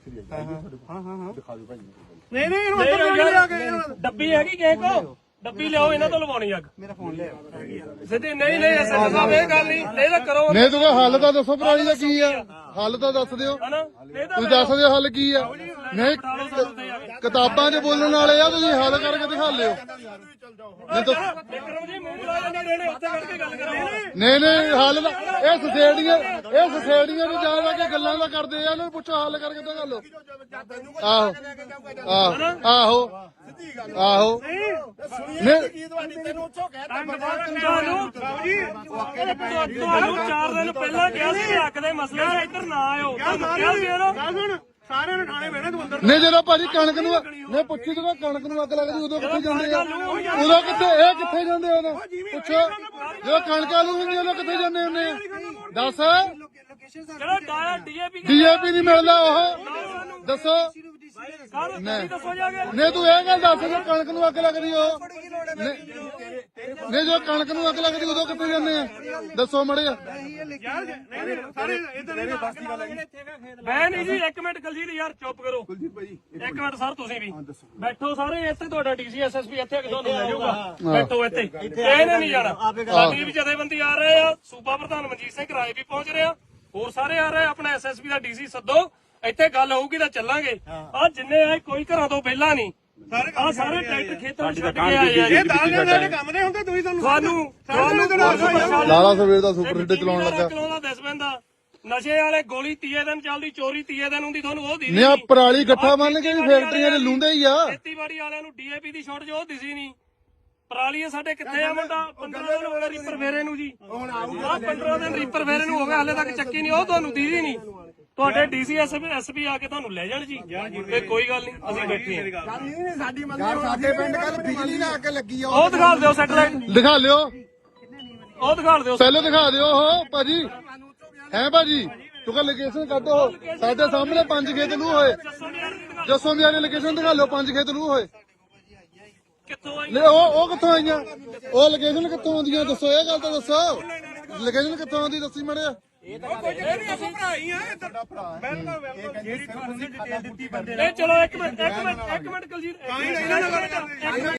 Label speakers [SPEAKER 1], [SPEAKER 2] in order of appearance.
[SPEAKER 1] ਇੱਥੇ ਲਿਆ ਹਾਂ ਦਿਖਾ ਦਿਓ ਭਾਈ
[SPEAKER 2] ਨਹੀਂ ਨਹੀਂ ਇਹਨੂੰ ਅੰਦਰ ਲਿਆ ਕੇ ਡੱਬੀ ਹੈਗੀ ਕਿਸੇ ਕੋ ਡੱਬੀ ਲਿਆਓ ਇਹਨਾਂ ਤੋਂ ਲਵਾਉਣੀ ਅੱਗ ਮੇਰਾ ਫੋਨ ਲਿਆ ਸਿੱਧੀ ਨਹੀਂ ਐਸਐਸ ਸਾਹਿਬ ਇਹ ਗੱਲ ਨਹੀਂ ਇਹ ਤਾਂ ਕਰੋ
[SPEAKER 3] ਨਹੀਂ ਤੂੰ ਹੱਲ ਤਾਂ ਦੱਸੋ ਭਰਾਈ ਦਾ ਕੀ ਆ ਹੱਲ ਤਾਂ ਦੱਸ ਦਿਓ ਤੁਸੀਂ ਦੱਸ ਦਿਓ ਹੱਲ ਕੀ ਆ ਨਹੀਂ ਕਿਤਾਬਾਂ 'ਚ ਬੋਲਣ ਵਾਲੇ ਆ ਤੁਸੀਂ ਹੱਲ ਕਰਕੇ ਦਿਖਾ ਲਿਓ ਨਹੀਂ ਹੱਲ ਦਾ ਇਹ ਸੋਸਾਇਟੀਆਂ ਨੂੰ ਜਾ ਕੇ ਗੱਲਾਂ ਦਾ ਕਰਦੇ ਆ ਇਹਨੂੰ ਪੁੱਛੋ ਹੱਲ ਕਰਕੇ ਦਿਖਾ ਲਓ ਆਹੋ
[SPEAKER 2] ਤੁਹਾਨੂੰ 4 ਦਿਨ ਪਹਿਲਾਂ ਕਿਹਾ ਸੀ ਹੱਕ ਦੇ ਮਸਲੇ 'ਚ ਇੱਧਰ ਨਾ ਆਇਓ ਕਿਹਾ ਸੀ ਸਾਰਿਆਂ ਨੇ ਖਾਣੇ ਪੈਣੇ ਤੂੰ ਅੰਦਰ
[SPEAKER 3] ਨਹੀਂ ਜਦੋਂ ਭਾਜੀ ਕਣਕ ਨੂੰ ਨਹੀਂ ਪੁੱਛੀ ਜਦੋਂ ਕਣਕ ਨੂੰ ਅੱਗ ਲੱਗਦੀ ਉਦੋਂ ਕਿੱਥੇ ਜਾਂਦੇ ਆ ਉਦੋਂ ਕਿੱਥੇ ਜਾਂਦੇ ਉਦੋਂ ਪੁੱਛੋ ਜਦੋਂ ਕਣਕ ਆਲੂ ਹੁੰਦੀ ਉਦੋਂ ਕਿੱਥੇ ਜਾਂਦੇ ਹੁੰਦੇ ਆ ਦੱਸ
[SPEAKER 2] ਜਿਹੜਾ ਡੀਏਪੀ
[SPEAKER 3] ਨਹੀਂ ਮਿਲਦਾ ਉਹ ਦੱਸੋ ਨਹੀਂ ਤੂੰ ਇਹ ਗੱਲ ਦੱਸ ਜਦੋਂ ਕਣਕ ਨੂੰ ਅੱਗ ਲੱਗਦੀ ਉਹ ਨਹੀਂ ਜਦੋਂ ਕਣਕ ਨੂੰ ਅੱਗ ਲੱਗਦੀ ਉਦੋਂ ਕਿੱਥੇ ਜਾਂਦੇ ਆ ਦੱਸੋ ਮੜੇ
[SPEAKER 2] ਮੈਂ ਨਹੀਂ ਜੀ 1 ਮਿੰਟ ਕੁਲਜੀਤ ਯਾਰ ਚੁੱਪ ਕਰੋ ਇੱਕ ਮਿੰਟ ਸਰ ਤੁਸੀਂ ਵੀ ਬੈਠੋ ਸਾਰੇ ਇੱਥੇ ਤੁਹਾਡਾ ਡੀਸੀ ਐਸਐਸਪੀ ਇੱਥੇ ਤੁਹਾਨੂੰ ਲੈ ਜਾਊਗਾ ਬੈਠੋ ਇੱਥੇ ਇਹਨੇ ਨਹੀਂ ਜਾਣਾ ਸਾਡੀ ਵੀ ਜਥੇਬੰਦੀ ਆ ਰਹੇ ਆ ਸੂਬਾ ਪ੍ਰਧਾਨ ਮਨਜੀਤ ਸਿੰਘ ਰਾਏ ਵੀ ਪਹੁੰਚ ਰਹੇ ਆ ਹੋਰ ਸਾਰੇ ਆ ਰਹੇ ਆਪਣਾ ਐਸਐਸਪੀ ਦਾ ਡੀਸੀ ਸੱਦੋ ਇੱਥੇ ਗੱਲ ਹੋਊਗੀ ਤਾਂ ਚੱਲਾਂਗੇ ਆ ਜਿੰਨੇ ਆਏ ਕੋਈ ਘਰਾਂ ਤੋਂ ਪਹਿਲਾਂ ਨਹੀਂ ਆ ਸਾਰੇ ਟਰੈਕਟਰ ਖੇਤਾਂ ਛੱਡ ਕੇ ਆਏ ਆ ਇਹ ਦਾਲ ਦੇ ਕੰਮ ਦੇ ਹੁੰਦੇ ਤੁਸੀਂ ਤੁਹਾਨੂੰ
[SPEAKER 3] ਲਾਲਾ ਸਵੇਰ ਦਾ ਸੁਪਰ ਹਿੱਟ ਚਲਾਉਣ ਲੱਗਾ
[SPEAKER 2] ਚਲਾਉਂਦਾ ਦਿਸ ਪੈਂਦਾ ਨਸ਼ੇ ਵਾਲੇ ਗੋਲੀ 30 ਦਿਨ ਚੱਲਦੀ ਚੋਰੀ 30 ਦਿਨ ਹੁੰਦੀ ਤੁਹਾਨੂੰ ਉਹ ਦਿਸੀ
[SPEAKER 3] ਨਹੀਂ ਆ ਪਰਾਲੀ ਗੱਠਾ ਮੰਨ ਕੇ ਵੀ ਫੈਕਟਰੀਆਂ 'ਚ ਲੁੰਦੇ ਹੀ ਆ
[SPEAKER 2] ਖੇਤੀਬਾੜੀ ਵਾਲਿਆਂ ਨੂੰ ਡੀਏਪੀ ਦੀ ਸ਼ਾਰਟ ਉਹ ਦਿਸੀ ਨਹੀਂ ਪਰਾਲੀ ਸਾਡੇ ਕਿੱਥੇ ਆ ਮੁੰਡਾ 15 ਦਿਨ ਹੋ ਗਏ ਰੀਪਰ ਫੇਰੇ ਨੂੰ ਜੀ ਹੁਣ ਆਊਗਾ 15 ਦਿਨ ਰੀਪਰ ਫੇਰੇ ਨੂੰ ਹੋ ਗਿਆ ਹਲੇ ਤੱਕ ਚੱਕੀ ਨਹੀਂ ਉਹ ਤੁਹਾਨੂੰ ਦਿਸੀ ਨਹੀਂ ਤੁਹਾਡੇ ਡੀਸੀ ਐਸਪੀ ਆ ਕੇ ਤੁਹਾਨੂੰ ਲੈ ਜਾਣ ਜੀ ਤੇ ਕੋਈ ਗੱਲ ਨਹੀਂ ਅਸੀਂ ਬੈਠੇ ਹਾਂ
[SPEAKER 1] ਸਾਡੀ ਮੰਨ ਸਾਡੇ ਪਿੰਡ ਕੱਲ ਬਿਜਲੀ ਨਾਲ ਅੱਗ ਲੱਗੀ ਆ
[SPEAKER 2] ਉਹ ਦਿਖਾ ਦਿਓ ਸੈਟਲਾਈਟ
[SPEAKER 3] ਦਿਖਾ ਲਿਓ
[SPEAKER 2] ਉਹ ਦਿਖਾ ਦਿਓ
[SPEAKER 3] ਪਹਿਲਾਂ ਦਿਖਾ ਦਿਓ ਉਹ ਭਾਜੀ ਹੈ ਭਾਜੀ ਤੂੰ ਕਹ ਲੋਕੇਸ਼ਨ ਕੱਢੋ ਸਾਡੇ ਸਾਹਮਣੇ 5 ਖੇਤ ਲੂ ਹੋਏ ਜੱਸੋਂ ਦੀ ਲੋਕੇਸ਼ਨ ਦਿਖਾ ਲਿਓ 5 ਖੇਤ ਲੂ ਹੋਏ
[SPEAKER 2] ਕਿੱਥੋਂ ਆਈ
[SPEAKER 3] ਲੈ ਉਹ ਕਿੱਥੋਂ ਆਈਆਂ ਉਹ ਲੋਕੇਸ਼ਨ ਕਿੱਥੋਂ ਆਉਂਦੀਆਂ ਦੱਸੋ ਇਹ ਗੱਲ ਤਾਂ ਦੱਸੋ ਲੋਕੇਸ਼ਨ ਕਿੱਥੋਂ ਆਉਂਦੀ ਦੱਸੀ ਮੜਿਆ
[SPEAKER 2] ਇਹ ਭਰਾ ਹੀ ਆ ਬਿਲਕੁਲ ਜਿਹੜੀ ਤੁਹਾਨੂੰ ਡਿਟੇਲ ਦਿੱਤੀ ਬੰਦੇ ਨੇ ਚਲੋ ਇੱਕ ਮਿੰਟ ਕੁਲਜੀਤ